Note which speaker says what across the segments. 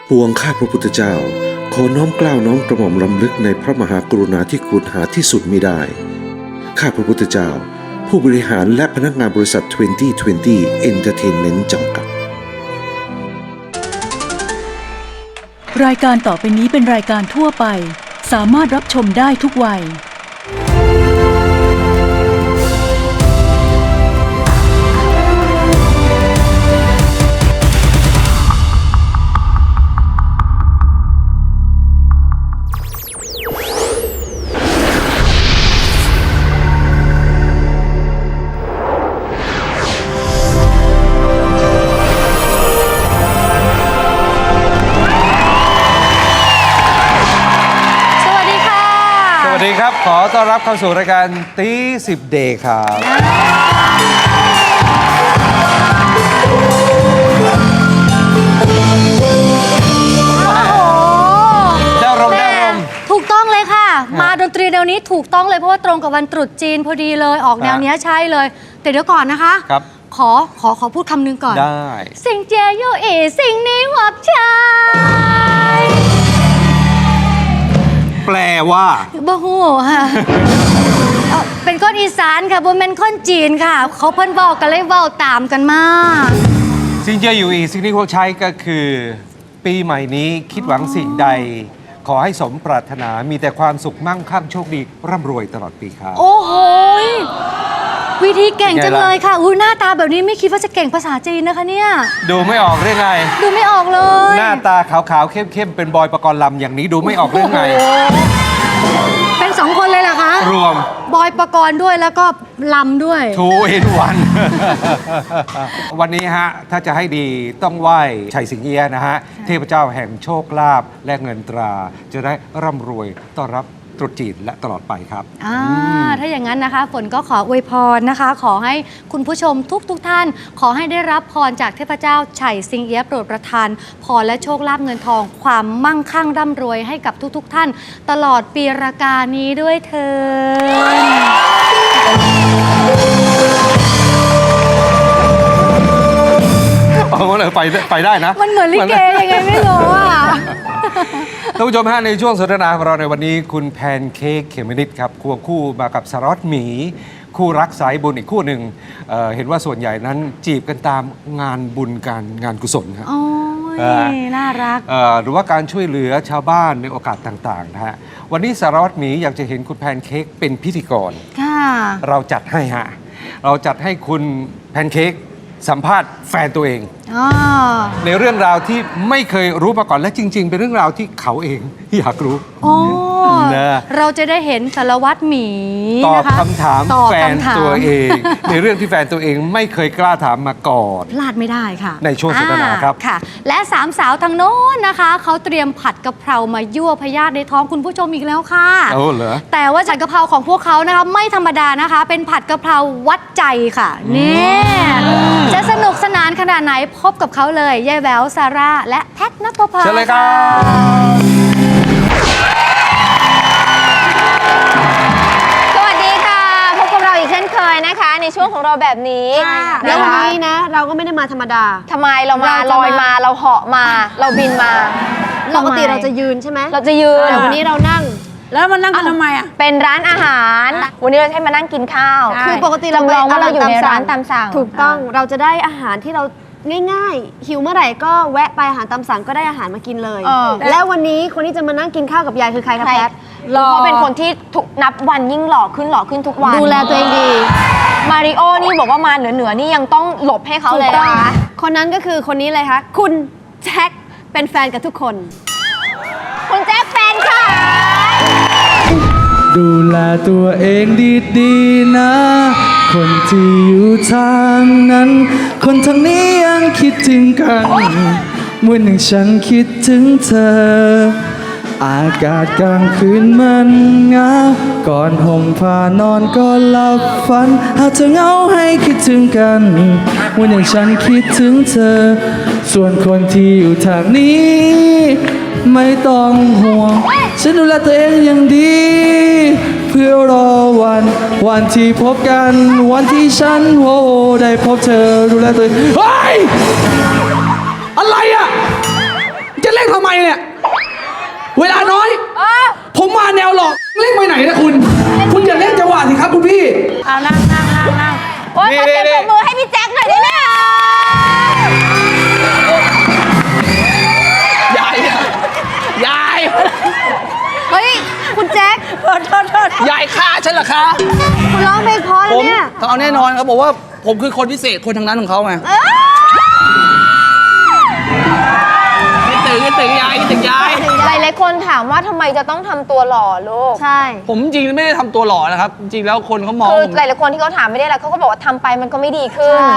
Speaker 1: ปวงข้าพระพุทธเจ้าขอน้อมเกล้าน้อมกระหม่อมรำลึกในพระมหากรุณาธิคุณหาที่สุดมิได้ข้าพระพุทธเจ้าผู้บริหารและพนักงานบริษัท 2020 Entertainment จำกัด
Speaker 2: รายการต่อไปนี้เป็นรายการทั่วไปสามารถรับชมได้ทุกวัย
Speaker 3: สวัสดีครับขอต้อนรับเข้าสู่รายการตี10 Day ครับได้รม
Speaker 4: ถูกต้องเลยค่ะมาดนตรีแนวนี้ถูกต้องเลยเพราะว่าตรงกับวันตรุษจีนพอดีเลยออกแนวนี้ใช่เลยแต่เดี๋ยวก่อนนะคะ
Speaker 3: ครับ
Speaker 4: ขอพูดคำนึงก่อน
Speaker 3: ได้
Speaker 4: สิ่งเจียโยเอสิ่งนี้หวักชาย
Speaker 3: แปลว่า
Speaker 4: บ่ฮู้ค่ะเป็นคนอีสานค่ะบนเป็นคนจีนค่ะเขาเพิ่นบอกกันเลยเว้าตามกันมา
Speaker 3: สิ่งเจออยู่อีกสิ่งที่เขาใช้ก็คือปีใหม่นี้คิดหวังสิ่งใดขอให้สมปรารถนามีแต่ความสุขมั่งคั่งโชคดีร่ำรวยตลอดปีครับ
Speaker 4: โอ้โหวิธีเก่งจังเลยค่ะหน้าตาแบบนี้ไม่คิดว่าจะเก่งภาษาจีนนะคะเนี่ย
Speaker 3: ดูไม่ออกเรื่องไง
Speaker 4: ดูไม่ออกเลย
Speaker 3: หน้าตาขาวๆเข้มๆเป็นบอยปกรณ์ลำอย่างนี้ดูไม่ออกเรื่องไง
Speaker 4: เป็น2 คนเลยเหรอคะ
Speaker 3: รวม
Speaker 4: บอยปกรณ์ด้วยแล้วก็ลำด้วย
Speaker 3: 2 in 1 วันนี้ฮะถ้าจะให้ดีต้องไหว้ชัยสิงเอียะนะฮะเทพเจ้าแห่งโชคลาภและเงินตราจะได้ร่ำรวยต้อนรับตรุษจีนและตลอดไปครับ
Speaker 4: ถ้าอย่างนั้นนะคะฝนก็ขออวยพรนะคะขอให้คุณผู้ชมทุกท่านขอให้ได้รับพรจากเทพเจ้าไฉสิงเอี๊ยะโปรดประทานพรและโชคลาภเงินทองความมั่งคั่งร่ำรวยให้กับทุกท่านตลอดปีรากานี้ด้วยเถิ
Speaker 3: ดมันไปได้นะ
Speaker 4: มันเหมือนลิเกยังไงไม่รู้อ่ะ
Speaker 3: ท่านผู้ชมฮะในช่วงสนทนาของเราในวันนี้คุณแพนเค้กเขมนิดครับควงคู่มากับสารวัตรหมีคู่รักสายบุญอีกคู่หนึ่ง เห็นว่าส่วนใหญ่นั้นจีบกันตามงานบุญงานกุศลครับ
Speaker 4: โอ้ยน่ารัก
Speaker 3: หรือว่าการช่วยเหลือชาวบ้านในโอกาสต่างๆนะฮะวันนี้สารวัตรหมีอยากจะเห็นคุณแพนเค้กเป็นพิธีกรเราจัดให้ฮะเราจัดให้คุณแพนเค้กสัมภาษณ์แฟนตัวเองในเรื่องราวที่ไม่เคยรู้มาก่อนและจริงๆเป็นเรื่องราวที่เขาเองอยากรู้
Speaker 4: เราจะได้เห็นสารวัตรหมี
Speaker 3: ตอบคำถามแฟนตัวเองในเรื่องที่แฟนตัวเองไม่เคยกล้าถามมาก่อน
Speaker 4: พลาดไม่ได้ค่ะ
Speaker 3: ในช่วงสนทนาครับ
Speaker 4: ค่ะและ3 สาวทางโน้นนะคะเขาเตรียมผัดกะเพรามายั่วพยาธิในท้องคุณผู้ชมอีกแล้วค่ะ
Speaker 3: เหรอ
Speaker 4: แต่ว่าผัดกะเพราของพวกเขานะคะไม่ธรรมดานะคะเป็นผัดกะเพราวัดใจค่ะนี่จะสนุกสนานขนาดไหนพบกับเขาเลยยายแววซาร่าและแพทณปภา
Speaker 3: เชิญเลยครับ
Speaker 5: สวัสดีค่ะพบกับเราอีกเช่นเคยนะคะในช่วงของเราแบบนี้
Speaker 4: แล้ววันนี้นะเราก็ไม่ได้มาธรรมดา
Speaker 5: ทำไมเรามาลอยมาเราเหาะมาเราบินมา
Speaker 4: ปกติเราจะยืนใช่ไหม
Speaker 5: เราจะยืน
Speaker 4: แต่วันนี้เรานั่ง
Speaker 5: แล้วมานั่งกันทำไมอ่ะเป็นร้านอาหารวันนี้เราให้มานั่งกินข้าว
Speaker 4: คือปกติเรา
Speaker 5: จำลองว่าเราอยู่ในร้านตามสั่ง
Speaker 4: ถูกต้องเราจะได้อาหารที่เราง่ายๆหิวเมื่อไหร่ก็แวะไปอาหารตามสั่งก็ได้อาหารมากินเลยแล้ววันนี้คนที่จะมานั่งกินข้าวกับยายคือใครครับแพท
Speaker 5: เขาเป็นคนที่นับวันยิ่งหล่อขึ้นทุกวัน
Speaker 4: ดูแลตัวเองดี
Speaker 5: มาริโอนี่บอกว่ามาเหนือนี่ยังต้องหลบให้เขาเลยนะคะ
Speaker 4: คนนั้นก็คือคนนี้เลยค่ะคุณแจ็คเป็นแฟนกับทุกคน
Speaker 5: คุณแจ็คแฟนค่ะ
Speaker 6: ดูแลตัวเองดีๆนะคนที่อยู่ทางนั้นคนทางนี้ยังคิดถึงกันเมื่อหนึ่งฉันคิดถึงเธออากาศกลางคืนมันเหงาก่อนห่มผ้านอนก็หลับฝันหากเธอเหงาให้คิดถึงกันเมื่อหนึ่งฉันคิดถึงเธอส่วนคนที่อยู่ทางนี้ไม่ต้องห่วงฉันดูแลตัวเองอย่างดีเพื่อรอวันที่พบกันวันที่ฉันได้พบเธอดูแลตัวเองเฮ้ยอะไรอ่ะจะเล่นทำไมเนี่ย เวลาน้อย ผมมาแนวหลอกเล่นไปไหนนะคุณ คุณอย่าเล่นจังหวะสิครับคุณพี่
Speaker 5: เอานั่งโอ๊ยขอเสียงปรบมือให้พี่แจ็คหน่อยได้ไหมคะ
Speaker 6: ยายยาย
Speaker 4: เฮ้ย คุณแจ็ค
Speaker 6: ยายฆ่าฉันเหรอคะ
Speaker 4: คุณร้องเพลงเพราะ
Speaker 6: ผม
Speaker 4: เนี่ย
Speaker 6: ต้องเอาแน่นอนครับบอกว่าผมคือคนพิเศษคนทางนั้นของเขาไงคิดถึงยายคิดถึงยาย
Speaker 5: หลายๆคนถามว่าทำไมจะต้องทำตัวหล่อลูก
Speaker 4: ใช่
Speaker 6: ผมจริงๆไม่ได้ทำตัวหล่อนะครับ จริงๆแล้วคนเขามอง
Speaker 5: คือ
Speaker 6: ผม
Speaker 5: หลายๆคนที่เขาถามไม่ได้แล้วเขาก็บอกว่าทำไปมันก็ไม่ดีขึ้น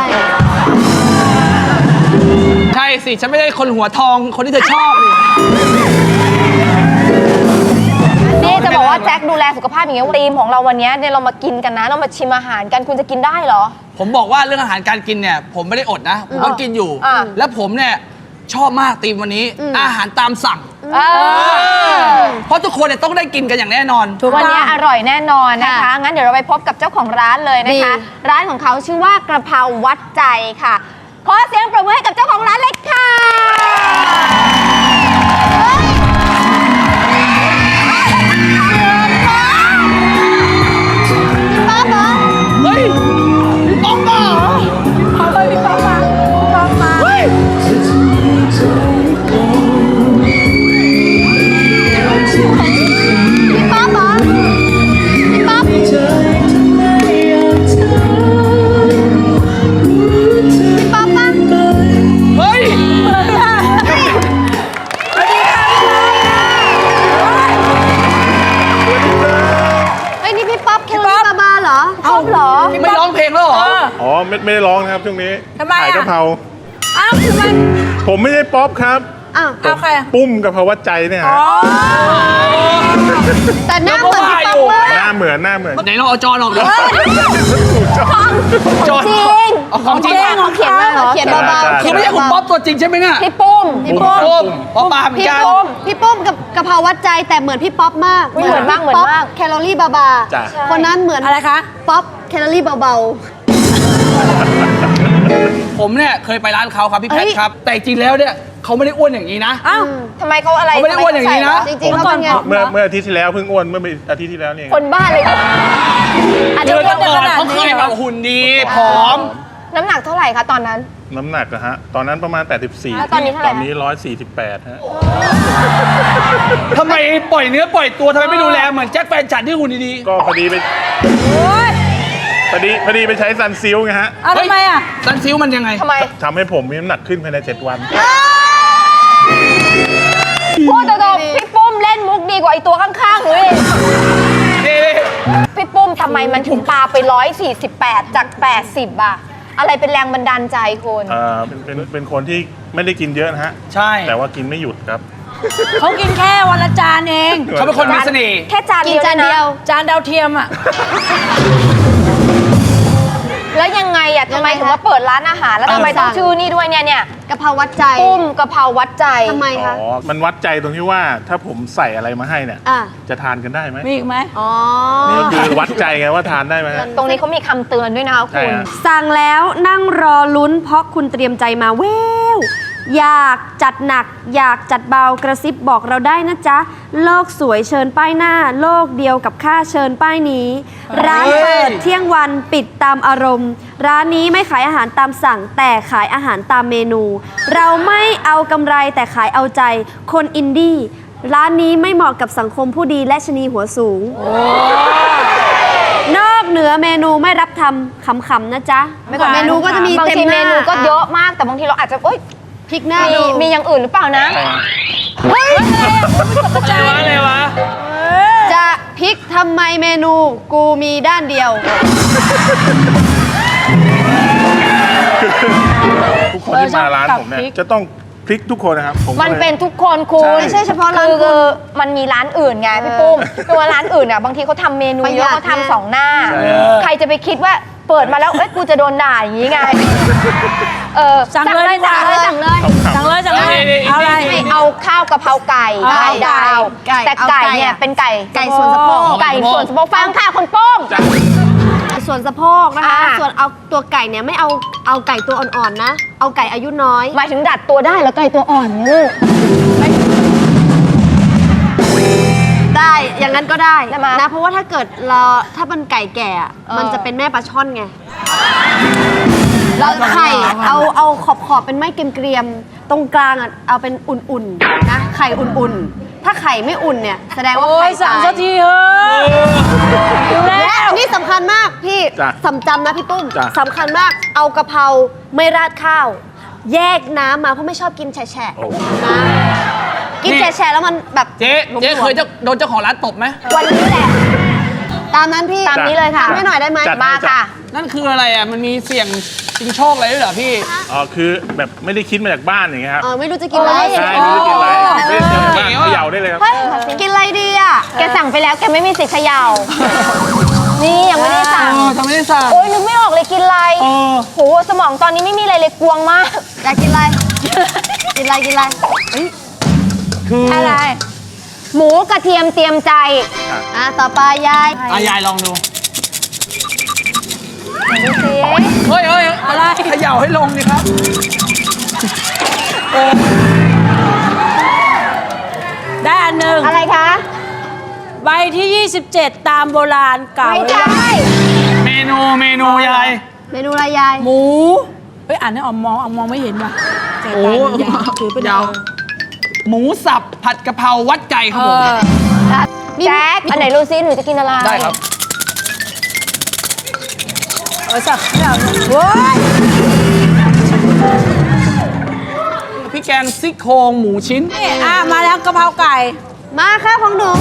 Speaker 6: ใช่สิ ฉันไม่ได้คนหัวทองคนที่เธอชอบนี่
Speaker 5: นี่จะบอกว่าแจ็คดูแลสุขภาพอย่างเงี้ยธีมของเราวันเนี้ยเนี่ยเรามากินกันนะเรามาชิมอาหารกันคุณจะกินได้เหรอ
Speaker 6: ผมบอกว่าเรื่องอาหารการกินเนี่ย ผมไม่ได้อดนะ ผมก็กินอยู่
Speaker 5: อ่า
Speaker 6: แล้วผมเนี่ยชอบมากธีมวันนี้ อาหารตามสั่ง เพราะทุกคนเนี่ยต้องได้กินกันอย่างแน่นอน
Speaker 5: วันนี้อร่อยแน่นอนนะคะ งั้นเดี๋ยวเราไปพบกับเจ้าของร้านเลยนะคะ ร้านของเขาชื่อว่ากระเพราวัดใจค่ะ ขอเสียงปรบมือให้กับเจ้าของร้านเลยค่ะป๊อบเหรอ
Speaker 6: เฮ้ยพี่ป๊อกมาเหรอ
Speaker 5: เอาเลยพี่ป๊อบมาพี่ป๊อบมา
Speaker 6: เฮ้ย
Speaker 5: พี่ป๊อบเหรอพี่ป๊อบ พี่ป๊อบปะ
Speaker 6: เฮ้ย
Speaker 4: เฮ้ย นี่พี่ป๊อปแคลอรี่บาบาเหรอ
Speaker 5: ป๊อบเหรอ
Speaker 6: ไม่ร้องเพลงแล้วเหรอ
Speaker 7: อ๋อไม่ได้ร้องนะครับช่วงนี้
Speaker 5: ทำไมอะ
Speaker 7: ขายกะเพรา
Speaker 5: อ้าวคือมัน
Speaker 7: ผมไม่ใช่ป๊อปครับ
Speaker 4: อ้าว
Speaker 5: เอาใครอะ
Speaker 7: ปุ้มกะเพราวัดใจเนี่ยฮะ
Speaker 4: แต่หน้าเหมือนพี่ป๊อปมาก
Speaker 7: หน้าเหมือน
Speaker 6: ไหนลองเอาจอออกดิจอ
Speaker 5: จริง
Speaker 6: เอาของจริง
Speaker 5: เขาเขียนมาเหรอเขียนเบา
Speaker 7: ใช่
Speaker 5: ๆ
Speaker 6: คือไม่ใช่คุณป๊อปตัวจริงใช่ไหมเนี่ย
Speaker 5: พี่ปุ้ม
Speaker 7: พี่ปุ้ม
Speaker 6: ป๊อปปาเหมือน
Speaker 5: พี่
Speaker 6: กัน
Speaker 5: ปุ้ม
Speaker 4: พี่ปุ้มกับกะเพราวัดใจแต่เหมือนพี่ป๊อปมาก
Speaker 5: เหมือนมาก
Speaker 4: พี่ป๊อป
Speaker 5: เหมือนมาก
Speaker 4: แคลอรี่บาบา
Speaker 7: จ้ะ
Speaker 4: คนนั้นเหมือนอะไรคะ ป๊อปแคลอรี่เบา
Speaker 6: ผมเนี่ยเคยไปร้านเขาครับพี่แพทครับ แต่จริงแล้วเนี่ยเขาไม่ได้อ้วนอย่างนี้นะ
Speaker 5: อ้าวทำไมเขาอะไร
Speaker 6: เขาไม่ได้อ้วนอย่างนี้นะ
Speaker 4: ๆ จริงๆเขาเป็นไง
Speaker 7: เมื่ออาทิตย์ที่แล้วเพิ่งอ้วนเมื่ออาทิตย์ที่แล้วนี่เอง
Speaker 5: คนบ้าเลยอาจ
Speaker 6: เดื
Speaker 5: จะ
Speaker 6: อน
Speaker 5: อ้วน
Speaker 6: ก่อน
Speaker 5: ขนาด
Speaker 6: เขาเค
Speaker 5: นี้
Speaker 6: ยแบบหุ่นดีผอม
Speaker 5: น้ำหนักเท่าไหร่คะตอนนั้น
Speaker 7: น้ำหนักอะฮะตอนนั้นประมาณ
Speaker 5: แล้ว
Speaker 7: 84
Speaker 5: ตอนนี้เท่าไหร่
Speaker 7: ตอนนี้ 148ฮะ
Speaker 6: ทำไมปล่อยเนื้อปล่อยตัวทำไมไม่ดูแลเหมือนแจ็คแฟนฉันที่หุ่นดี
Speaker 7: ก็พอดีไปใช้ซันซิลไงฮะ
Speaker 6: ๆทำไมอ่ะซันซิลมันยังไง
Speaker 5: ทำไม
Speaker 7: ทำให้ผมมีน้ำหนักขึ้นภายใน 7 วัน
Speaker 5: พูดตรงๆพี่ปุ้มเล่นมุกดีกว่าไอตัวข้างๆหนูเอง
Speaker 6: นี่
Speaker 5: พี่ปุ้มทำไมมันถึงปาไป148จาก80อะอะไรเป็นแรงบันดาลใจคุณ
Speaker 7: เป็นคนที่ไม่ได้กินเยอะนะฮะ
Speaker 6: ใช่
Speaker 7: แต่ว่ากินไม่หยุดครับ
Speaker 8: เขากินแค่วันละจานเอง
Speaker 6: เขาเป็นคนมีเสน่ห์
Speaker 5: แค่จาน
Speaker 4: กิน
Speaker 5: เดียว
Speaker 4: จาน
Speaker 5: นะ
Speaker 4: เดียว
Speaker 8: จานดาวเทียมอ่ะ
Speaker 5: แล้วยังไงอะทำไมถึงมาเปิดร้านอาหารแล้วทำไมต้องชื่อนี่ด้วยเนี่ย
Speaker 4: กะเพราวัดใจ
Speaker 5: ปุ้มกะเพราวัดใจ
Speaker 4: ทำไม
Speaker 7: อ๋
Speaker 4: คะ
Speaker 7: อ มันวัดใจตรงที่ว่าถ้าผมใส่อะไรมาให้เนี่ย
Speaker 4: อ่ะ
Speaker 7: จะทานกันได้ไหม
Speaker 8: มีอีกไหม
Speaker 4: อ๋อ
Speaker 7: นี่ก็คือวัดใจไงว่าทานได้ไหมฮะ
Speaker 5: ตรงนี้เขามีคำเตือนด้วยนะคะ
Speaker 7: ใช่
Speaker 5: คุณ
Speaker 7: ฮะ
Speaker 9: สั่งแล้วนั่งรอลุ้นเพราะคุณเตรียมใจมาแววอยากจัดหนัก อยากจัดเบากระซิบบอกเราได้นะจ๊ะ โลกสวยเชิญป้ายหน้า โลกเดียวกับข้าเชิญป้ายนี้ ร้านเปิดเที่ยงวันปิดตามอารมณ์ ร้านนี้ไม่ขายอาหารตามสั่ง แต่ขายอาหารตามเมนู เราไม่เอากำไรแต่ขายเอาใจ คนอินดี้ร้านนี้ไม่เหมาะกับสังคมผู้ดีและชะนีหัวสูง นอกเหนือเมนูไม่รับทำขำๆนะจ๊ะ
Speaker 4: เมนูก็จะมี
Speaker 5: บาง
Speaker 4: เต็ม
Speaker 5: ที
Speaker 4: ห
Speaker 5: เม
Speaker 4: น้า
Speaker 5: นูก็เยอะมากแต่บางทีเราอาจจะเอ้ย
Speaker 4: พริกหน้า
Speaker 5: มี
Speaker 4: ดู
Speaker 5: มีอย่างอื่นหรือเปล่านะ
Speaker 6: อะไรวะ
Speaker 4: จะพริกทำไมเมนูกูมีด้านเดียว
Speaker 7: ทุกคนที่มาร้านผมเนี่ยจะต้องพลิกทุกคนนะครับผม
Speaker 5: มันเป็น
Speaker 7: ก็ลย
Speaker 5: ทุกคนคุณ
Speaker 7: ใช่
Speaker 4: ไม่ใช่เฉพาะร้านคุณ
Speaker 5: คือมันมีร้านอื่นไงพี่ปุ้มตัวร้านอื่นอ่ะบางทีเขาทำเมนู
Speaker 4: ประห
Speaker 5: เย
Speaker 4: ยั
Speaker 5: อะ
Speaker 4: ด
Speaker 5: เขาทำสองหน้า
Speaker 7: ใช่
Speaker 5: ใครจะไปคิดว่าเปิดมาแล้วเอ้ยกูจะโดนด่าอย่างนี้ไง
Speaker 8: สั่งเลยดีกว่า
Speaker 5: สั่งเลย
Speaker 8: สั่งเลยสั่งเลย เอาอะไร
Speaker 5: เอาข้าวกะเพราไก่
Speaker 8: เอา
Speaker 5: ไข่ดาว
Speaker 4: ไก่
Speaker 5: แต่
Speaker 4: เอา
Speaker 5: ไก่
Speaker 4: ไก่
Speaker 5: เนี่ย
Speaker 4: อะ
Speaker 5: เป็นไก่
Speaker 4: ไก่ส่วนสะโพก
Speaker 5: ไก่ส่วนสะโพกฟังค่ะคุณปุ้ม
Speaker 4: ส่วนสะโพกนะคะ
Speaker 5: อ่า
Speaker 4: ส่วนเอาตัวไก่เนี่ยไม่เอาไก่ตัวอ่อนๆนะ เอาไก่อายุน้อย
Speaker 5: หมายถึงดัดตัวได้แล้วไก่ตัวอ่อนนี่
Speaker 9: งั้นก็ได้
Speaker 5: ได้ไหม
Speaker 9: นะเพราะว่าถ้าเกิดถ้ามันไก่แก่อะมันจะเป็นแม่ปลาช่อนไงแล้วไข่เอาขอบเป็นไม้เกรียมๆตรงกลางอ่ะเอาเป็นอุ่นๆนะไข่อุ่นๆ ถ้าไข่ไม่อุ่นเนี่ยแสดงว่า
Speaker 8: โอ้
Speaker 9: ไข่
Speaker 8: ยสั่ง
Speaker 9: ตาย
Speaker 8: สักทีเถอะดูแล
Speaker 9: และอันนี้สำคัญมากพี่
Speaker 7: จ้ะ
Speaker 9: สำจำนะพี่ปุ้ม
Speaker 7: จ้ะ
Speaker 9: สำคัญมากเอากะเพราไม่ราดข้าว แยกน้ำมาเพราะไม่ชอบกินแฉะ
Speaker 7: โอ้
Speaker 9: ๆนะกินแฉะๆแล้วมันแบบ
Speaker 6: เจ๊เคยโดนเจ้าของร้านตบไหม
Speaker 9: วันนี้แหละ ตามนั้นพี่
Speaker 5: ตามนี้เลยค่ะ
Speaker 9: ทำให้หน่อยได้ไหม
Speaker 7: จัดให้
Speaker 5: มาค่ะ
Speaker 6: นั่นคืออะไรอ่ะ มันมีเสี่ยงชิงโชคอะไรด้วยเหรอพี่
Speaker 7: อ๋อคือแบบไม่ได้คิดมาจากบ้านอย่างเงี้ยครับ
Speaker 9: ไม่รู้จะกินอะไร
Speaker 7: ใช่ไม่รู้กินอะไรไม่ได้เจอบ้านเขย่าได้เลยครับ
Speaker 9: เฮ้ยกินอะไรดีอ่ะ
Speaker 5: แกสั่งไปแล้วแกไม่มีสิทธิ์เขย่า นี่ยังไม่ได้สั่ง
Speaker 6: ทำไมได้สั่ง
Speaker 5: โอ๊ยนึกไม่ออกเลยกินอะไร โหสมองตอนนี้ไม่มีอะไรเลยกวงมาก
Speaker 9: อยากกินอะไร กินอะไรกินอะไร
Speaker 8: อะไร
Speaker 5: หมูกระเทียมเตรียมใจ
Speaker 9: ต่อไปยาย
Speaker 6: ยายลองดู
Speaker 5: ดูสิ
Speaker 6: เฮ้ยอะไรเขย่าให้ลงดิครับ
Speaker 8: ได้อันหนึ่ง
Speaker 5: อะไรคะ
Speaker 8: ใบที่ 27 ตามโบราณเก่า
Speaker 5: ไม่ใช่
Speaker 6: เมนูยาย
Speaker 9: เมนูอะไรยาย
Speaker 8: หมู เฮ้ยอ่านให้ออมมองไม่เห็นว่ะแต่ตามันยาวถือเป็น
Speaker 6: ยาว หมูสับผัดกะเพราวัดใจครับผม
Speaker 5: แจ๊คอันไหนรู้ซิหนูจะกินอะไร
Speaker 6: ได้ครับ
Speaker 8: สับไม่เอาเว้ย
Speaker 6: พี่แกงซี่โครงหมูชิ้น
Speaker 8: นี่มาแล้วกะเพราไก่
Speaker 9: มาค่ะของหนู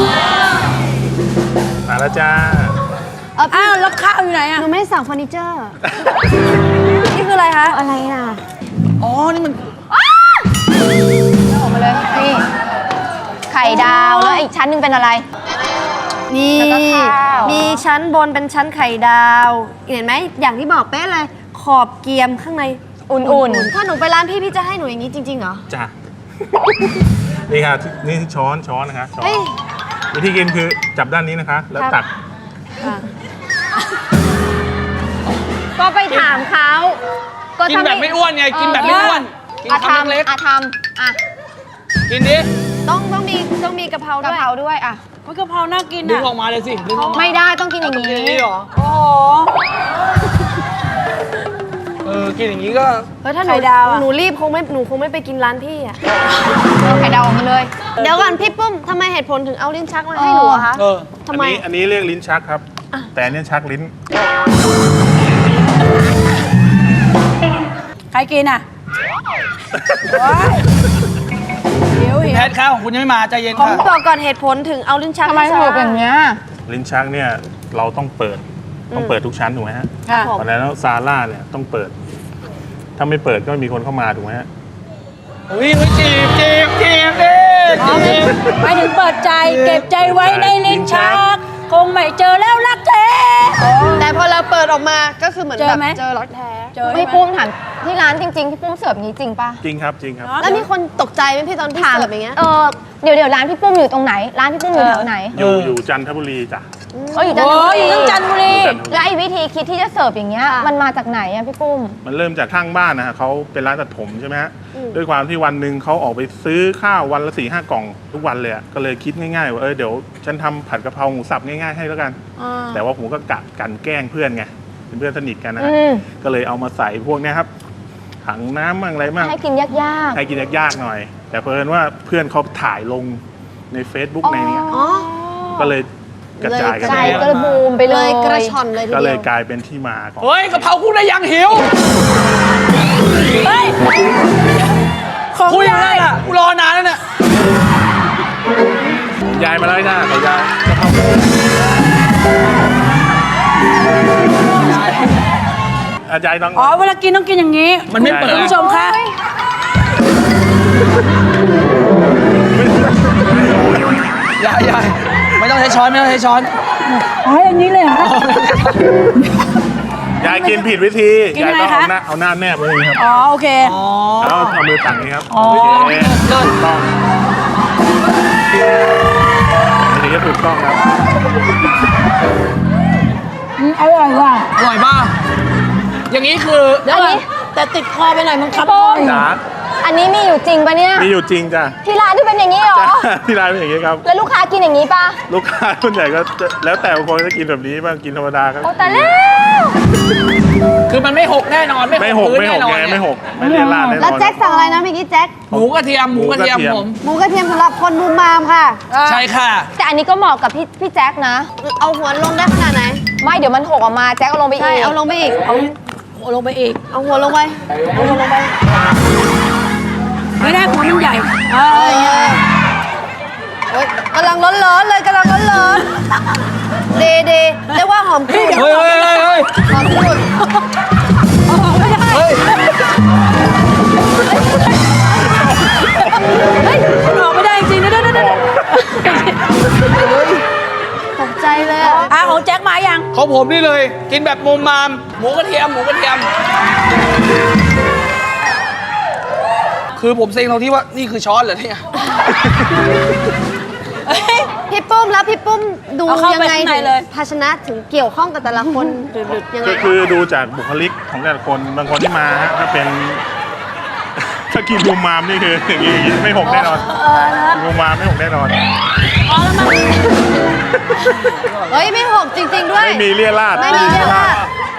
Speaker 7: มาแล้วจ้า
Speaker 8: อ้าวแล้วข้าวอยู่ไหน
Speaker 9: ห
Speaker 8: อ่ะ
Speaker 9: นูไม่ได้สั่งเฟอร์นิเจอร์ นี่คืออะไรคะ
Speaker 5: อะไรน่ะ
Speaker 6: อ๋อ นี่มัน
Speaker 5: ออกมาเลยนี่ไข่ดาวแล้วอีกชั้นหนึงเป็นอะไร
Speaker 9: นี่
Speaker 5: แล้วก็ข้าว
Speaker 9: มีชั้นบนเป็นชั้นไข่ดาว เห็นไหม อย่างที่บอกเป๊ะเลย ขอบเกรียมข้างใน
Speaker 5: อุ่น
Speaker 9: ถ้าหนูไปร้านพี่จะให้หนูอย่างนี้จริงๆเหรอ
Speaker 7: จ้า นี่ครับนี่ช้อนนะคะช้อน
Speaker 9: เฮ้ย
Speaker 7: วิธีกินคือจับด้านนี้นะคะ แล้วตัก
Speaker 5: ๆ ก็ไปถามเขาก็
Speaker 6: กินแบบไม่อ้วนไง กินแบบไม่อ้วน กิน
Speaker 5: อา
Speaker 6: คำเล็ก
Speaker 5: ทำอ่ะ
Speaker 6: ๆกินดิ
Speaker 9: ต้องมีกะเพราก
Speaker 5: ะ
Speaker 9: ด้วย
Speaker 5: เพราด้วยอ่ะ
Speaker 8: มันกะเพราน่ากิน
Speaker 6: ดึง
Speaker 8: อ่ะ
Speaker 6: ออกมาเลยสิ ดึงออกมา
Speaker 5: ไม่ได้ต้องกินอย่าง
Speaker 6: กินอย่าง
Speaker 5: นี้
Speaker 6: นี้เหรอ
Speaker 8: โอ้โห
Speaker 6: กินอย่างนี้ก็
Speaker 9: เฮ้ยถ้าหนู
Speaker 8: ไข่ดาวอะ
Speaker 9: หนูรีบหนูคงไม่ไปกินร้านพี่อ่ะ
Speaker 5: ไข่ดาวออกมาเลย
Speaker 9: เดี๋ยวก่อนพี่ปุ้มทำไมเหตุผลถึงเอาลิ้นชักมาให้หนูอะคะ ทำไม
Speaker 7: อันนี้เรียกลิ้นชักครับ แต่อันนี้ชักลิ้น
Speaker 8: ใครกินอ่ะเดี๋ยว
Speaker 6: แพทย์ข้าวของคุณยังไม่มาใจเย็น
Speaker 9: ขอ
Speaker 6: ค่ะ
Speaker 9: บอกก่อนเหตุผลถึงเอาลิ้นชัก
Speaker 5: ทำไม
Speaker 9: ให้
Speaker 5: ถูก
Speaker 9: ซาร่า
Speaker 5: อย่างเงี้ย
Speaker 7: ลิ้นชักเนี่ยเราต้องเปิดทุกชั้นถูกไหมฮะ
Speaker 8: ค่ะ
Speaker 7: เพราะฉะนั้นแล้วซาร่าเนี่ยต้องเปิด ถ้าไม่เปิดก็ไม่มีคนเข้ามาถูกไหมฮะ
Speaker 6: อุ้ยจีบดิ
Speaker 8: ไปถึงเปิดใจเก็บใจไว้ในลิ้นชัก คงไม่เจอแล้วรักแท้
Speaker 9: แต่พอเราเปิดออกมาก็คือเหมือน
Speaker 8: เจ
Speaker 9: แบ
Speaker 8: อบ ไหม
Speaker 9: เจอรักแท้
Speaker 8: เจอไหม
Speaker 5: พี่ปุ้มถามที่ร้านจริงๆ พี่ปุ้มเสิร์ฟอย่างนี้จริงป่ะ
Speaker 7: จริงครับจริงครับ
Speaker 9: แล้วมีคนตกใจไหมพี่ตอนพี่
Speaker 5: ถาม
Speaker 9: เสิร์ฟอย่างเงี้ย
Speaker 5: เดี๋ยวร้านพี่ปุ้มอยู่ตรงไหน ร้านพี่ปุ้มอยู่แถวไหน
Speaker 7: อยู่จันทบุรีจ้ะ
Speaker 5: อยู่จัน
Speaker 8: โอ้
Speaker 5: ทบุ
Speaker 8: ยอยู่ทั้งจันทบุรี
Speaker 5: แล้วไอ้วิธีคิดที่จะเสิร์ฟอย่างเงี้ยมันมาจากไหนอะพี่ปุ้ม
Speaker 7: มันเริ่มจากข้างบ้านนะฮะเขาเป็นร้านตัดผมใช่ไหมฮะด้วยความที่วันหนึ่งเขาออกไปซื้อข้าววันละ4-5 กล่องทุกวันเลยอะก็เลยคิดง่ายๆว่าเดี๋ยวฉันทำผัดกะเพราหมูสับง่ายๆให้แล้วกัน แต่ว่าผมก็กะกันแกล้งเพื่อนไงเป็นเพื่อนสนิทกันนะฮะ
Speaker 5: อืม
Speaker 7: ก็เลยเอามาใส่พวกเนี้ยครับถังน้ำมั่งอะไรมั่ง
Speaker 5: ให้กินยาก
Speaker 7: ให้กินยากๆหน่อย แต่เพิ่นว่าเพื่อนเขาถ่ายลงใน Facebook ในเนี้ย
Speaker 9: อ๋อ
Speaker 7: ก็เลยกระจายกัน
Speaker 5: ๆใจ
Speaker 7: ไป
Speaker 5: ก็เลยบูมไป
Speaker 9: เล
Speaker 5: เลย ย
Speaker 9: กระชอนเลยที
Speaker 7: ก็เล
Speaker 9: เดี
Speaker 7: ย
Speaker 9: ยว
Speaker 7: กลายเป็นที่มาของ
Speaker 6: เฮ้ยกะเพราคุณได้ยังหิว
Speaker 8: เฮ้ย ของ
Speaker 6: คุยอยู่
Speaker 8: ยา
Speaker 6: นั่
Speaker 8: ย
Speaker 6: นอ่ะกูรอนานแล้วเนี่ย
Speaker 7: ยายมาแล้วจ้าขอยายอาจารย์ต้อง
Speaker 8: อ๋อ เวลากินต้องกินอย่างนี้
Speaker 6: มันไม่เปิด
Speaker 8: คุณผู้ชมคะ
Speaker 6: ยายไม่ต้องใช้ช้อนไม่ต้องใช้ช้อน
Speaker 8: อ๋ออย่างนี้เลยเหรอ
Speaker 7: ยายกินผิดวิธี
Speaker 8: กิน
Speaker 7: ยาย
Speaker 8: ไง
Speaker 7: ต้อง
Speaker 8: คะ
Speaker 7: เอาหน้าแนบไว้อย่างนี้ครับ
Speaker 8: อ๋อ โอเค
Speaker 7: แล้วเอามือตักนี้ครับ
Speaker 8: อ๋อ
Speaker 7: โอเคถูกต้องอันนี้ก็ถูกต้องครับ
Speaker 8: อร่อยว่ะ
Speaker 6: อร่อยป่ะอย่างนี้คือ
Speaker 8: เดี๋ยวก่อนแต่ติดคอไปหน่อยมันคับคออยู่
Speaker 7: จ๋า
Speaker 5: อันนี้มีอยู่จริงปะเนี่ย
Speaker 7: มีอยู่จริงจ้ะ
Speaker 5: ที่ร้านที่เป็นอย่างนี้เหรอ
Speaker 7: จ้ะที่ร้านเป็นอย่างนี้ครับ
Speaker 5: แล้วลูกค้ากินอย่างนี้ปะ
Speaker 7: ลูกค้าส่วนใหญ่ก็จะแล้วแต่บางคนจะกินแบบนี้บ้างกินธรรมดาครับ
Speaker 5: โอ้แต่แล้ว
Speaker 6: คือมันไม่หกแน่นอน
Speaker 7: ไม่หก
Speaker 6: พื้น
Speaker 7: ไม่ห
Speaker 6: แน่
Speaker 7: ก
Speaker 6: นอน
Speaker 7: ไง
Speaker 6: เนี่ย
Speaker 7: ไม่หกไม่เลี่ยนลาดแน่นอน
Speaker 9: แล้วแจ็คสั่งอะไรนะเมื่อกี้แจ็ค
Speaker 6: หมูกระเทียมหมูกระเทียม
Speaker 7: หมูกระเทียม
Speaker 6: ผม
Speaker 9: หมูกระเทียมสำหรับคนมุมมามค่ะ
Speaker 6: ใช่ค่ะ
Speaker 5: แต่อันนี้ก็เหมาะกับพี่แจ็คนะ
Speaker 9: เอาหัวลงได้ขนาดไหน
Speaker 5: ไม่เดี๋ยวมันหกออกมาแจ็คเอาลงไปอี
Speaker 9: ใช่
Speaker 5: ก
Speaker 9: เอาลงไปอีก
Speaker 8: เอาลงไปอีก
Speaker 9: เอาหัวลงไปเอาหัวลงไป
Speaker 8: ไม่ได้หัวมันใหญ่
Speaker 9: โอ๊ยกำลังร้อนๆเลยกำลังร้อนๆดีเรียกว่าหอมกรุ่น
Speaker 6: เฮ้ยเฮ้ยเฮ้ย
Speaker 9: หอมกรุ่น
Speaker 6: เฮ้ย
Speaker 8: มันออกไม่ได้จริงนะเด้อ
Speaker 9: ตกใจเลยอะ
Speaker 8: ของแจ็คมายัง
Speaker 6: ของผมนี่เลย กินแบบมุมมามหมูกระเทียมหมูกระเทียม คือผมเซ็งตรงที่ว่านี่คือช้อนเหรอเนี่ย
Speaker 9: พี่ปุ้มแล้วพี่ปุ้มดู
Speaker 8: เอาเข้า
Speaker 9: ยัง
Speaker 8: ไป
Speaker 9: ไง
Speaker 8: ข้างใน
Speaker 9: ถึง
Speaker 8: เลย
Speaker 9: ภาชนะถึงเกี่ยวข้องกับแต่ละคนหรือยังไง
Speaker 7: ก็คือดูจากบุคลิกของแต่ละคนบางคนที่มาฮะถ้าเป็น ถ้ากินบูมมามนี่คืออย่างนี้ไม่หกแน่นอนบูมมามไม่หกแน่นอน
Speaker 9: เฮ้ยไม่หกจริง ๆ ด้วย
Speaker 7: ไม่มีเลี่ยราด
Speaker 9: ไม่มีเรียกว่า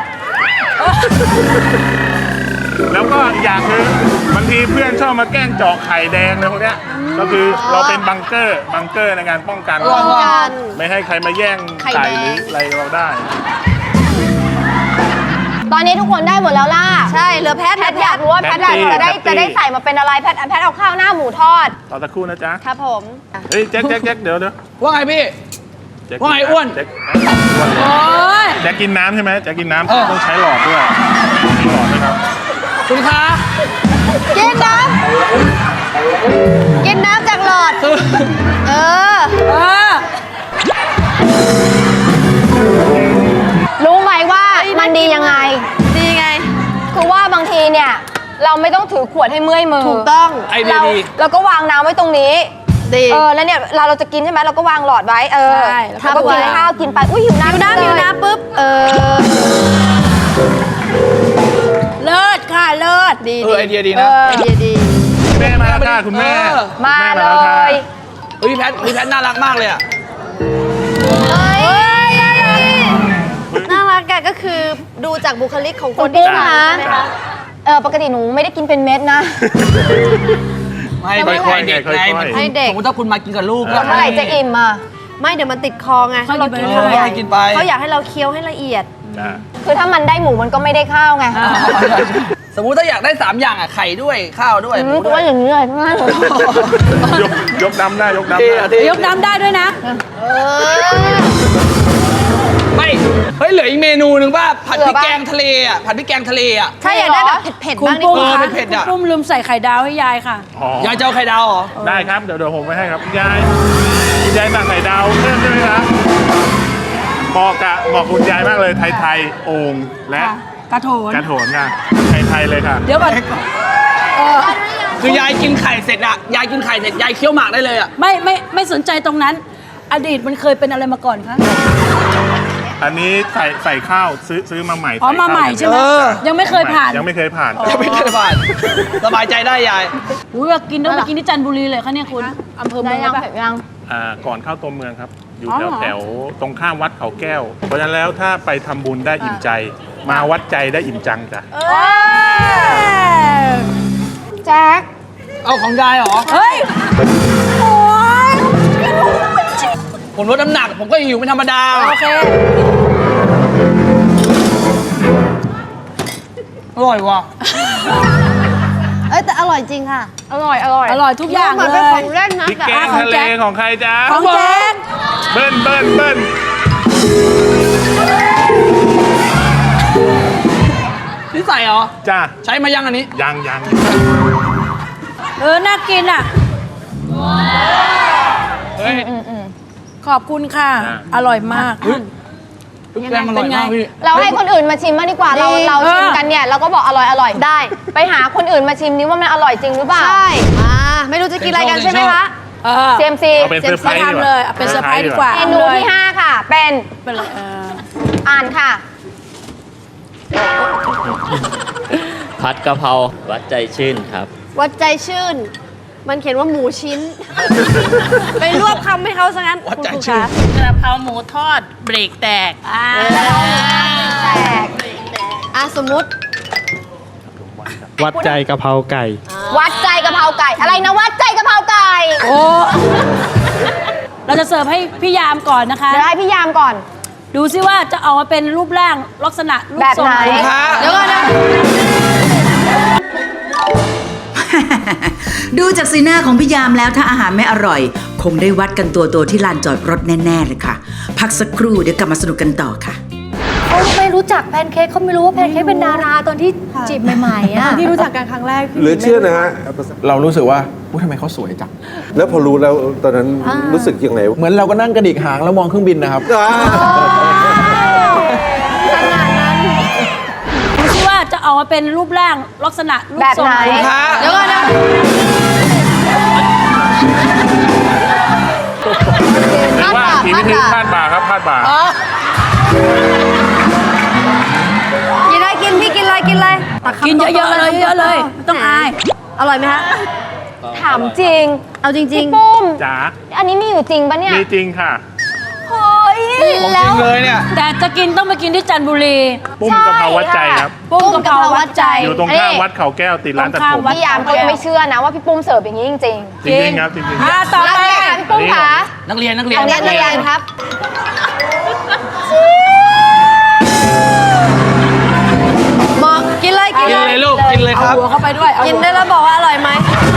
Speaker 7: แล้วก็อีกอย่างคือบางทีเพื่อนชอบมาแกล้งเจาะไข่แดงอะไรพวกเนี้ยก็คือเราเป็นบังเกอร์ในการป้องกัน
Speaker 9: ป้องกัน
Speaker 7: ไม่ให้ใครมาแย่ง
Speaker 9: ไข่
Speaker 7: ไก่
Speaker 9: แดง
Speaker 7: หรืออะไรเราได้
Speaker 5: ตอนนี้ทุกคนได้หมดแล้วล่ะ
Speaker 9: ใช่เหลือแพท
Speaker 5: แพทอยากรู้ว่าแพทจะได้ใส่มาเป็นอะไรแพทเอาข้าวหน้าหมูทอด
Speaker 7: ต่อสักครู่นะจ๊ะ
Speaker 9: ครับผม
Speaker 7: เฮ้ยแจ็คเดี๋ยว
Speaker 6: ว่าไงพี่
Speaker 7: แจ็ค
Speaker 6: ว่าไงอ้วน
Speaker 7: แจ็ค
Speaker 8: โอ๊ย
Speaker 7: แจ็คกินน้ำใช่ไหมแจ็คกินน้ำ
Speaker 6: เออ
Speaker 7: ต้องใช้หลอดด้วยมีหลอดไหมครับ
Speaker 6: คุณคะ
Speaker 9: กินน้ำกินน้ำจากหลอด เออ
Speaker 5: รู้ไหมว่ามันดียังไง
Speaker 9: ดีไง
Speaker 5: คือว่าบางทีเนี่ยเราไม่ต้องถือขวดให้เมื่อยมือ
Speaker 9: ถูกต้อง
Speaker 6: ไอเดียดี
Speaker 5: เราก็วางน้ำไว้ตรงนี้
Speaker 9: ดี
Speaker 5: แล้วเนี่ยเราจะกินใช่ไหมเราก็วางหลอดไว้
Speaker 8: ใช่
Speaker 5: แล้วก็กินข้าวกินไปอุ้ยหิวน้ำ
Speaker 9: หิวน้ำปุ๊บ
Speaker 8: เลิศค่ะ เลิศ
Speaker 9: ดี
Speaker 6: ไอเดียดีนะ
Speaker 9: ไอเดียดี
Speaker 7: แม่มาแล้วค่ะคุณแม่
Speaker 5: มา
Speaker 7: คุณ
Speaker 5: เล
Speaker 7: แแล้วค่ะ
Speaker 5: ย
Speaker 6: เฮ้ยพี่แพทน่ารักมากเลยอ่ะ
Speaker 9: น่ารักอะก็คือดูจากบุคลิกของคน
Speaker 5: คุณ
Speaker 9: ที่
Speaker 5: ปุ้ม
Speaker 9: ทาน
Speaker 5: คะ
Speaker 9: ใช่ไหมคะ
Speaker 5: ปกติหนูไม่ได้กินเป็นเม็ดนะ
Speaker 6: ไม่
Speaker 7: ค่อยๆ
Speaker 6: เด็ก
Speaker 7: ค่อยๆ
Speaker 6: ไงมัน
Speaker 9: ให้เด็ก
Speaker 6: สมมติถ้าคุณมากินกับลูก
Speaker 5: แล้วเมื่อไหร่จะอิ่มอ่ะ
Speaker 9: ไม่เดี๋ยวมันติดคอไง
Speaker 8: เขา
Speaker 9: เรา
Speaker 8: กิน
Speaker 9: กิน
Speaker 8: ไป
Speaker 9: คำใหญ่
Speaker 6: ให้กินไป
Speaker 9: เขาอยากให้เราเคี้ยวให้ละเอียด
Speaker 7: จ้ะ
Speaker 5: คือถ้ามันได้หมูมันก็ไม่ได้ข้าวไง
Speaker 6: สมมุติถ้าอยากได้ 3 อย่างอ่ะไข่ด้วยข้าวด้วยหมูด้
Speaker 5: ตัว
Speaker 6: วย
Speaker 5: อย่างนี้เลยทั้งนั้น
Speaker 7: ยกน้ำได้ยกน้ำ
Speaker 6: เท่
Speaker 7: ได้
Speaker 6: อะเท่
Speaker 8: ยกน้ำได้ด้วยนะ
Speaker 6: ไม่เฮ้ยเหลืออีกเมนูหนึ่งป่ะผัดพริกแกงทะเลอ่ะผัดพริกแกงทะเลอ่ะ
Speaker 9: ถ้าอยากได้แบบเผ็ดๆ
Speaker 8: คุณ
Speaker 9: บ้างดี
Speaker 8: ปุ้ม
Speaker 9: กว่า
Speaker 8: คะ
Speaker 6: เผ็ดๆอะ
Speaker 8: คุณปุ้มลืมใส่ไข่ดาวให้ยายค่ะ
Speaker 7: อ๋อย
Speaker 6: ายจะเอาไข่ดาวเหรอ
Speaker 7: ได้ครับเดี๋ยวผมไปให้ครับคุณยายสั่งไข่ดาวเพิ่มใช่ไหมครับเหมาะคุณยายมากเลยไทยๆโอ่งและ
Speaker 8: กระโถน
Speaker 7: กระโถนค่ะไทยๆเลยค่ะ
Speaker 8: เดี๋ยวก่อน
Speaker 6: คือยายกินไข่เสร็จอ่ะยายกินไข่เสร็จยายเคี้ยวหมากได้เลยอ่ะ
Speaker 8: ไม่สนใจตรงนั้น อดีตมันเคยเป็นอะไรมาก่อนคะ
Speaker 7: อันนี้ใส่ข้าวซื้อมาใหม่
Speaker 8: อ๋อ
Speaker 7: ส่
Speaker 8: มาใหม่
Speaker 7: ข้ว
Speaker 8: ใช่ไหม
Speaker 6: เออ
Speaker 8: ยังไม่เคยผ่าน
Speaker 7: ยังไม่เคยผ่าน
Speaker 6: ยังไม่เคยผ่านสบายใจได้ยาย
Speaker 8: อุ้ยว่ากินต้องไปกินที่จันทบุรีเลยคะเนี่ยคุณอำเภอเมื
Speaker 5: ได้
Speaker 8: อง
Speaker 5: ยัง
Speaker 8: ปะ
Speaker 5: เผ็ดยัง
Speaker 7: ก่อนเข้าตัวเมืองครับ อยู่
Speaker 8: อ๋อ
Speaker 7: แถวตรงข้ามวัดเขาแก้ว เพราะฉะนั้นแล้วถ้าไปทำบุญได้อิ่มใจ มาวัดใจได้อิ่มจังจ้ะ
Speaker 5: แจ็ค
Speaker 6: เอาของยายเหรอ
Speaker 8: เฮ้ย โอ้ย
Speaker 6: ผมลดน้ำหนัก ผมก็หิวเป็นธรรมดา
Speaker 8: โอเค
Speaker 6: อร่อยว่ะ
Speaker 9: เอ้ยแต่อร่อยจริงค่ะ
Speaker 5: อร่อย
Speaker 8: อร่อยทุกอย่าง
Speaker 9: เหมือน
Speaker 8: เล
Speaker 9: เป็น
Speaker 8: ย
Speaker 9: ของเล่นนะ
Speaker 7: พริก
Speaker 9: แต่
Speaker 7: แกง
Speaker 8: ของ
Speaker 7: ทะเล
Speaker 8: แจ็ค
Speaker 7: ของใครจ๊ะ
Speaker 8: ของแจ๊ค
Speaker 7: เบิ้ล
Speaker 6: นี่ใส่เหรอ
Speaker 7: จ้า
Speaker 6: ใช้มายังอันนี้
Speaker 7: ยัง
Speaker 8: น่ากินอ่ะ
Speaker 6: เฮ้ย
Speaker 8: ขอบคุณค่ะ อร่อยมาก
Speaker 6: พริกแกงอร่อยมากพี่
Speaker 5: เราให้คนอื่นมาชิมมางดีกว่า เรา
Speaker 8: ดี
Speaker 5: เราชิมกันเนี่ยเราก็บอกอร่อย
Speaker 9: ได้
Speaker 5: ไปหาคนอื่นมาชิมนี้ว่ามันอร่อยจริงหรือเปล่า
Speaker 9: ใช่ไม่รู้จะกินอะไรกันใช่ไหมคะ
Speaker 5: CMC
Speaker 7: เอาเป็นเซอร์ไพรส์ดีก
Speaker 8: ทำ
Speaker 7: ว่า
Speaker 8: เลยเอาเป็นเซอร์ไพรส์ดีกว่า
Speaker 5: เมนูที่ 5 ค่ะ เป็น
Speaker 8: เป็นเลย
Speaker 5: อ่านค่ะ
Speaker 10: ผัดกะเพราวัดใจชื่นครับ
Speaker 9: วัดใจชื่น มันเขียนว่าหมูชิ้น ไปรวบคำให้เขาซะงั้นคุณครูคะ
Speaker 8: กระเพราหมูทอดเบรกแตก
Speaker 9: สมมุติ
Speaker 6: วัดใจกะเพราไก่
Speaker 5: วัดใจกะเพราไก่ อะไรนะวัดใจกะเพราไก่
Speaker 8: โอ้ เราจะเสิร์ฟให้พี่ยามก่อนนะคะ
Speaker 5: เดี๋ยวให้พี่ยามก่อน
Speaker 8: ดูซิว่าจะออกมาเป็นรูปร่างลักษณะรูป
Speaker 5: แบบ
Speaker 8: ทรง
Speaker 5: ไหน เดี๋ยวก่อนนะ
Speaker 10: ดูจากสีหน้าของพี่ยามแล้วถ้าอาหารไม่อร่อย คงได้วัดกันตัวที่ลานจอดรถแน่ ๆ เลยค่ะ พักสักครู่เดี๋ยวกลับมาสนุกกันต่อค่ะ
Speaker 4: เขาไม่รู้จักแพนเค้กเขาไม่รู้ว่าแพนเค้กเป็นดาราตอนที่จีบใหม่ๆอ่ะ
Speaker 9: ที่รู้จักกันครั้งแรก
Speaker 1: เหลือเชื่อนะฮะ
Speaker 6: เรารู้สึกว่าทำไมเขาสวยจัง
Speaker 1: แล้วพอรู้แล้วตอนนั้นรู้สึกยังไง
Speaker 6: เหมือนเราก็นั่งกระดิกหางแล้วมองเครื่องบินนะครับ
Speaker 8: ดูซิว่าจะออกมาเป็นรูปร่างลักษณะรูป
Speaker 5: แบบ
Speaker 8: ทรง
Speaker 5: ไหน เดี๋ยวก่อนนะ
Speaker 7: หรือว่าทีวิธีพลาดบ่าครับพลาดบ่า
Speaker 9: กินอะไรกินพี่กินอะไรกินอะไรตัคำ
Speaker 8: กินเยอะๆเลยเยอะๆเลยไม่ต้องอาย
Speaker 9: อร่อยไหมคะ
Speaker 5: ถามจริง
Speaker 9: เอาจริง
Speaker 5: พี่ปุ้ม
Speaker 7: จ๋า
Speaker 5: อันนี้มีอยู่จริงปะเนี่ย
Speaker 7: มีจริงค่ะ
Speaker 5: เฮ้ย แล้ว
Speaker 6: เลยเนี่ย
Speaker 8: แต่จะกินต้องไปกินที่จันทบุรี
Speaker 7: ปุ้มกะเพราวัดใจครับ
Speaker 8: ปุ้งกะเพราวัดใจ
Speaker 7: อยู่ตรงข้ามวัดเขาแก้วติดร้านตัดผม
Speaker 5: พี่ยามเขายังไม่เชื่อนะว่าพี่ปุ้มเสิร์ฟอย่างนี้จริง
Speaker 7: จริงๆครับจริงๆ
Speaker 8: ต่อ
Speaker 5: ๆ
Speaker 8: ไป
Speaker 5: แล้วค่ะพี่ปุ้มคะ
Speaker 6: นักเรียน
Speaker 5: เอาเรียนครับ
Speaker 9: ๆบอกกินเลยกินเลย
Speaker 6: ลูกกินเลยครับ
Speaker 8: หัวเข้าไปด้วย
Speaker 9: กินได้แล้วบอกว่าอร่อยไหม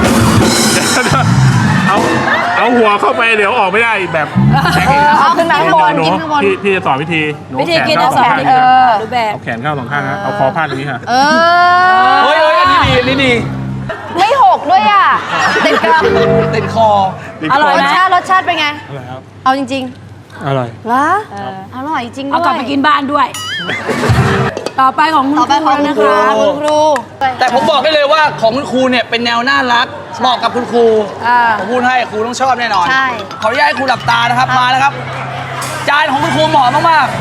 Speaker 7: เอาหัวเข้าไปเดี๋ยวออกไม่ได้แบบแข็งอีก
Speaker 5: เอาขึ้นมาข้างบน
Speaker 7: หนู
Speaker 5: กินข้างบน
Speaker 7: พี่จะสอนวิธีหนู
Speaker 8: วิธี
Speaker 7: แขน
Speaker 8: กิน
Speaker 7: เข้า
Speaker 8: เอา
Speaker 7: ส
Speaker 8: ส
Speaker 7: อ
Speaker 8: อง ง
Speaker 7: ข้าง
Speaker 8: ที
Speaker 7: นี้ค่ะ
Speaker 8: รูปแบบ
Speaker 7: เอาแขนเข้าสองข้างนะเอาคอพาดอย่างนี้ค่ะ
Speaker 6: เฮ้ยอันนี้ดีอันนี้ดี
Speaker 5: ไม่หกด้วยอ่ะ
Speaker 9: ติดกระ
Speaker 6: ติดคอ
Speaker 8: อร่อย
Speaker 9: ร
Speaker 8: ไหม
Speaker 9: สชาติเป็นไง เอาจริง
Speaker 6: อร่อย
Speaker 9: ๆเหรออร่อยจริงด้วย
Speaker 8: เอากลับไปกินบ้านด้วย ต่อไปของคุณ
Speaker 9: ต่อไปของ
Speaker 8: ครู
Speaker 9: คุณ
Speaker 8: นะ
Speaker 9: ครู
Speaker 8: คะ
Speaker 9: คุณครู
Speaker 11: แต่ผมบอกได้เลยว่าของคุณครูเนี่ยเป็นแนวน่ารักเหมาะกับคุณครูผมพูดให้ครูต้องชอบแน่นอน
Speaker 9: ใช่
Speaker 11: ขออนุญาตให้ครูหลับตานะครับมาแล้วครับ จานของคุณครูเหมาะมาก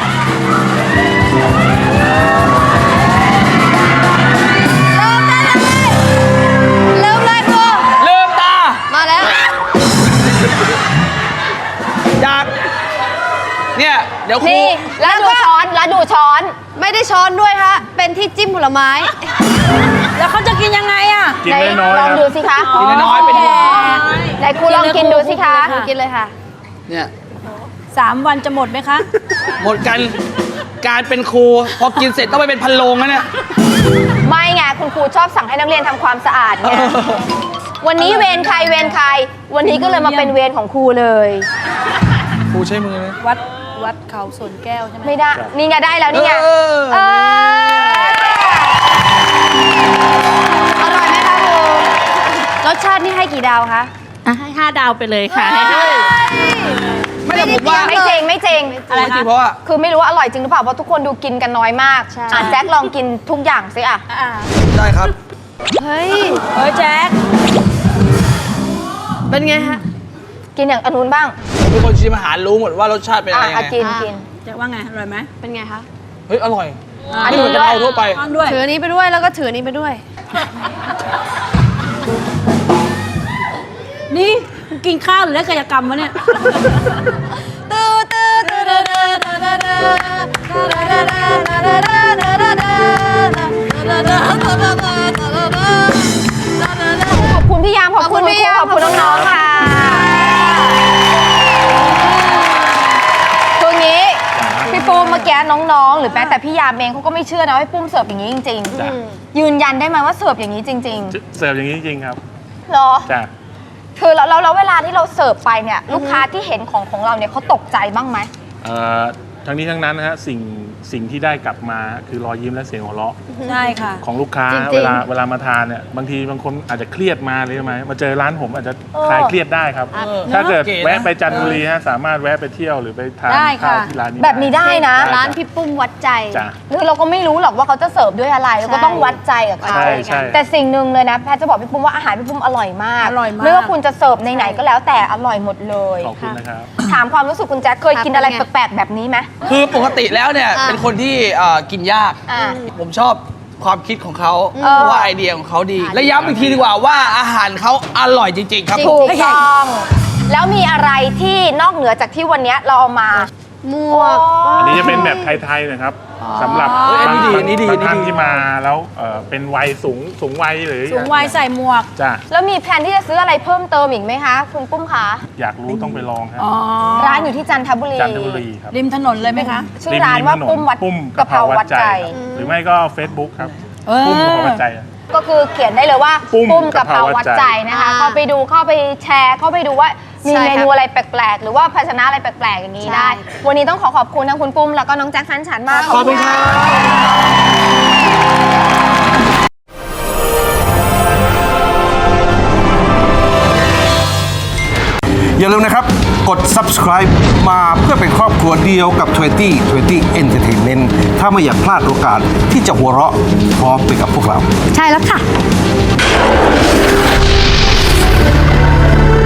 Speaker 9: เริ่มเลยครู
Speaker 11: ๆลืมตา
Speaker 9: มาแล้ว
Speaker 11: จากเนี่ยเดี๋ยวครู
Speaker 5: นี่ แล้วดูช้อน แล้วดูช้อน
Speaker 9: ไม่ได้ช้อนด้วยฮะ เป็นที่จิ้มผลไม้
Speaker 8: แล้วเขาจะกินยังไงอ่ะ
Speaker 7: กิน
Speaker 5: ไหน
Speaker 7: น้อยๆ
Speaker 5: ลอง
Speaker 7: ครับ
Speaker 5: ดูสิคะ
Speaker 11: กินน้อยๆเป็นห่วง
Speaker 5: ไหนครูลองกินดูสิคะ
Speaker 9: กินเลยค่ะ
Speaker 11: เนี่ย
Speaker 8: 3 วันจะหมดไหมคะ
Speaker 11: หมดกันการเป็นครูพอกินเสร็จต้องไปเป็นพันโลงนะเนี่ย
Speaker 5: ไม่ไงคุณครูชอบสั่งให้นักเรียนทำความสะอาดไง วันนี้เวรใครเวรใคร วันนี้ก็เลยมาเป็นเวรของครูเลย
Speaker 11: ครูใช้มือเลย
Speaker 8: วัดเขาสวนแก้วใช่ไหม
Speaker 5: ไม่ได้ นี่ไงได้แล้วนี่ไง
Speaker 11: เออ
Speaker 5: เออ
Speaker 9: อร่อยไหมคะครูรสชาตินี่ให้กี่ดาวคะ
Speaker 8: ให้5 ดาวไปเลยค่ะ
Speaker 11: ไม่แต่ผมว่า
Speaker 5: ไม่จริงไม่จริง
Speaker 11: อะไรจริงเพราะว่า
Speaker 5: คือไม่รู้ว่าอร่อยจริงหรือเปล่าเพราะทุกคนดูกินกันน้อยมาก
Speaker 9: ใช่
Speaker 5: แจ็คลองกินทุกอย่างสิอ่ะ
Speaker 11: ได้ครับ
Speaker 9: เฮ้ย
Speaker 8: เฮ้ยแจ๊ค
Speaker 9: เป็นไงฮะ
Speaker 5: กินอย่างอนนุนบ้าง
Speaker 11: ทุกคนชิมอาหารรู้หมดว่ารสชาติเป็นอะไร
Speaker 5: อ่ะ
Speaker 11: ยังไง
Speaker 5: กินกิน
Speaker 8: แจ๊คว่าไง อร่อยไหม
Speaker 9: เป็นไงคะ
Speaker 11: เฮ้ยอร่อย
Speaker 5: อัน
Speaker 11: ไม่
Speaker 5: นี้
Speaker 11: เหมือน
Speaker 5: ด้
Speaker 11: กะ
Speaker 5: วย
Speaker 11: เพราทั่วไป
Speaker 8: ฟังด้วย
Speaker 9: ถืออันนี้ไปด้วยแล้วก็ถืออันนี้ไปด้วย
Speaker 8: นี่กินข้าวหรือเล่นกายกรรมวะเนี่ย
Speaker 5: ขอบคุณพี่ยามขอบคุณพี่ยามขอบคุณน้องๆค่ะคืองี้พี่ปุ้มเมื่อกี้น้องๆ หรือแม้แต่พี่ยามเองเขาก็ไม่เชื่อนะว่าพี่ปุ้มเสิร์ฟอย่างนี้จริง
Speaker 7: จ้ะ
Speaker 5: ๆ ยืนยันได้ไหมว่าเสิร์ฟอย่างนี้จริง
Speaker 7: เสิร์ฟอย่างนี้จริงๆครับ
Speaker 5: ๆเหรอ
Speaker 7: จ้ะ
Speaker 5: คือแล้วเวลาที่เราเสิร์ฟไปเนี่ยลูกค้าที่เห็นของเราเนี่ยเขาตกใจบ้างไหม
Speaker 7: ทั้งนี้ทั้งนั้นนะฮะสิ่งที่ได้กลับมาคือรอยยิ้มและเสียงหัวเราะ
Speaker 8: ใช่ค่ะ
Speaker 7: ของลูกค้า
Speaker 9: จริงๆ
Speaker 7: เวลามาทานเนี่ยบางทีบางคนอาจจะเครียดมาเลยใช่ไหมมาเจอร้านผมอาจจะคลายเครียดได้ครับ ถ้าเกิด
Speaker 11: โอเคนะ
Speaker 7: แวะไปจันทบุรีฮะสามารถแวะไปเที่ยวหรือไปทาน
Speaker 8: ได้
Speaker 7: ข้าว
Speaker 8: ค่ะ
Speaker 7: ที่ร้านนี้
Speaker 5: แบบนี้ได้นะ
Speaker 9: ร้านพี่ปุ้มวัดใจ
Speaker 7: จ้ะ
Speaker 5: คือเราก็ไม่รู้หรอกว่าเขาจะเสิร์ฟด้วยอะไรเราก็ต้องวัดใจกับเขา
Speaker 7: ใช่ใช่
Speaker 5: แต่สิ่งหนึ่งเลยนะแพทย์จะบอกพี่ปุ้มว่าอาหารพี่ปุ้มอร่อยมาก
Speaker 8: อร่อยมาก
Speaker 5: ไม่ว่าคุณจะเสิร์ฟในไหนก็แล้วแต่อร่อยหมดเลย
Speaker 7: ขอบคุณนะครับ
Speaker 5: ถามความรู้สึกคุณแจ็คเคยกินอะไรแปลกๆแบบนี้ไหม
Speaker 11: คือปกติแล้วเนี่ย
Speaker 9: อ่ะ
Speaker 11: เป็นคนที่กินยาก
Speaker 5: อ่า
Speaker 11: ผมชอบความคิดของเขาว่าไอเดียของเขาดี และย้ำอีกทีดีกว่าว่าอาหารเขาอร่อยจริง ๆ ครับ
Speaker 5: ถูกต้องแล้วมีอะไรที่นอกเหนือจากที่วันนี้เราเอามาหมวก
Speaker 7: อันนี้จะเป็นแบบไทยๆนะครับสำหรับ
Speaker 11: อันนี้ดี
Speaker 7: บาง
Speaker 11: อันนี้ดี
Speaker 7: บางท่าน
Speaker 11: อันนี้ดี
Speaker 7: ที่มาแล้วเป็นวัยสูงวัยหรือ
Speaker 8: สูงวัยใส่หมวก
Speaker 7: จ้ะ
Speaker 5: แล้วมีแผนที่จะซื้ออะไรเพิ่มเติมอีกไหมคะคุณปุ้มคะ
Speaker 7: อยากรู้ต้องไปลองครับ
Speaker 5: ร้านอยู่ที่จันทบุรี
Speaker 7: จันทบุรีครับ
Speaker 8: ริมถนนเลยไหมคะ
Speaker 5: ชื่อร้านว่าปุ้มวัด
Speaker 7: ปุ้ม
Speaker 5: กะเพราวัดใจ
Speaker 7: ครับหรือไม่ก็ Facebook ครับปุ้มกะเพราวัดใจ
Speaker 5: ก็คือเขียนได้เลยว่า
Speaker 7: ปุ้ม
Speaker 5: ปุ้มกะเพราวัดใจนะคะ เข้าไปดูเข้าไปแชร์เข้าไปดูว่ามี
Speaker 4: ใช่
Speaker 5: เม
Speaker 4: ค่ะ
Speaker 5: นูอะไรแปลกๆ หรือว่าภาชนะอะไรแปลกๆอย่างนี้ได้ วันนี้ต้องขอบคุณทั้งคุณปุ้มแล้วก็น้องแจ็คสันฉันมาก
Speaker 11: ขอบคุณครับ
Speaker 3: อย่าลืมนะครับ กด subscribe มาเพื่อเป็นครอบครัวเดียวกับ 2020 Entertainment ถ้าไม่อยากพลาดโอกาสที่จะหัวเราะพร้อมไปกับพวกเรา
Speaker 4: ใช่แล้วค่ะ